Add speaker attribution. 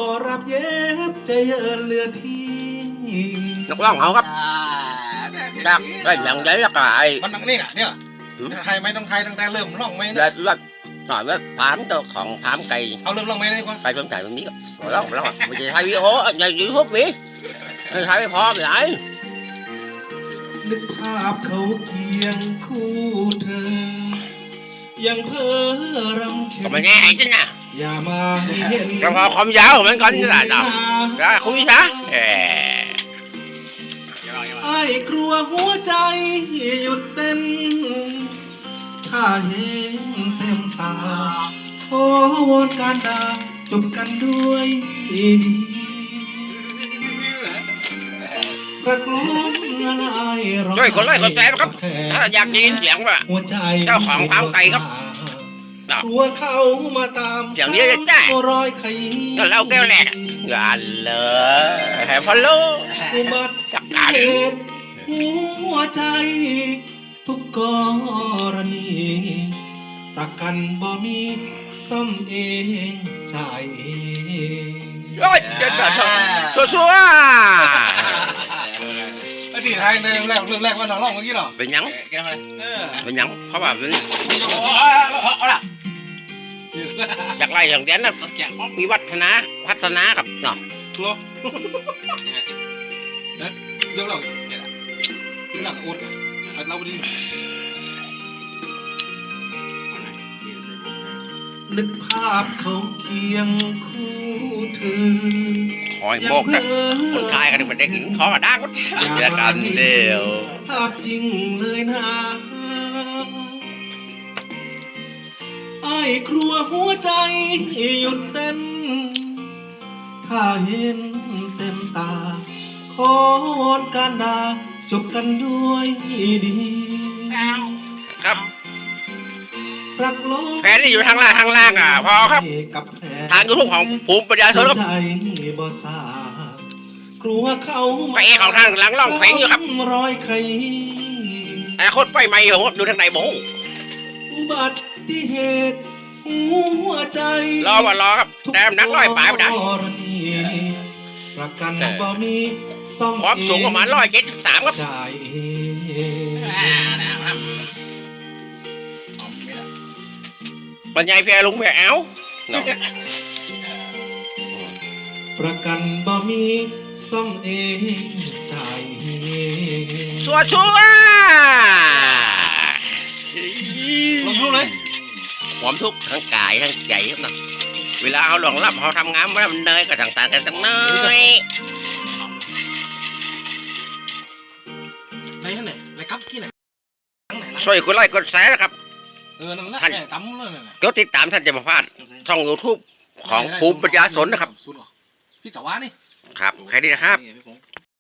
Speaker 1: รับเย็บใจเยินเรือที่
Speaker 2: นักร้องเขาครับจากไอ้หนังใหญ่ละกาย
Speaker 3: มันนั่งนี่น่ะเนี่ยไทยไหมต้องไทยตั้งแต่เริ่มร้องไหมนะ
Speaker 2: แล้วหน่อยว่าถามตัวของถามไก่
Speaker 3: เอาเริ่มร้องไหมนี่ก่อน
Speaker 2: ไก่ต้นไก่ตรงนี้ก็ร้องไม่ใช่ไทยวิโอในยูทูบมีไทยไม่พอไปไหน
Speaker 1: นึกภาพเขาเคียงคู่เธอยังเพ้อรำเค็ม
Speaker 2: ก็ไม่แง่ไอ้จริงอ่ะ
Speaker 1: อย่ามาให้เห็น
Speaker 2: เราพอความยาวของมันก่อนนี่แหละจ้ะก็คุยซะ
Speaker 1: ไอ้กลัวหัวใจหยุดเต้นถ้าเห็นเต็มตาขอวอนการด่าจบกันด้วยดีประกลมอะไร
Speaker 2: ด้วยคนไล่คนแปลครับถ้าอยากยินเสียงว่าเจ้าของฟาร์มไก่ครับ
Speaker 1: ตัวเขามาตาม
Speaker 2: เสียงนี้จะแจ้
Speaker 1: รอยไข่
Speaker 2: ก็เล่าแก้วแหละงานเลยแฮปปี้ลูจักการ
Speaker 1: หัวใจทุกกรณีประกันบ่มีซ่อมเองจ่ายเอง
Speaker 2: โอ้ยเจ้าชัว
Speaker 3: ไอ้ที่ไทยเริ่มแรกว่าน้องร้องเมื่อกี้หรอ
Speaker 2: เป็นยังเป็นยังเพราะว่าเป็น
Speaker 3: เอาล่ะ
Speaker 2: จากไรอย่างเด่นนะวิวัฒนากับเนาะ
Speaker 3: รู้เรื่องเราอุดเราดี
Speaker 1: นึกภาพเขาเคียงคู่เธอ
Speaker 2: คอยโบกนะคนไทยกันมันได้กินขอมาดังเดียวกันเดียว
Speaker 1: ภาพจริงเลยนะไอ้ครัวหัวใจหยุดเต้นถ้าเห็นเต็มตาขอวอนการด่าจบกันด้วยดี
Speaker 2: ครับแผนที่อยู่ทางล่างอ่ะพอครับทางยูทูบของภูมิปัญญาชนครับไปเอของทางหลังล่องแฝงอยู่ครับแต่คนไปใหม่ผมดูทางไหนบ่
Speaker 1: อุบัติเหตุหัวใจ
Speaker 2: รอครับแต้มนักลอยปลายไปได้
Speaker 1: ประกันบ่มีซ่อม
Speaker 2: ความสูงประมาณ173ครับบรรยายเพียลุงเพียเอา
Speaker 1: ประกันบ่มีซ่อมเองจ่าย
Speaker 2: ชัวล
Speaker 3: งเลย
Speaker 2: ความทุกข์ทั้งกายทั้งใจครับนะเวลาเขาหลงรับเขาทำงานมันเนยก็ต่างกันตั้งน้อย
Speaker 3: ในนั่นไหนในครับที่ไหน
Speaker 2: ช่วยกดไลค์กดแชร์นะครับ
Speaker 3: ท่านตั้มเลย
Speaker 2: กดติดตามท่านจะมาพลาดช่อง YouTube ของภูมิปัญญาสนนะครับ
Speaker 3: พี่ต๋วานี่
Speaker 2: ครับใครดีนะครับ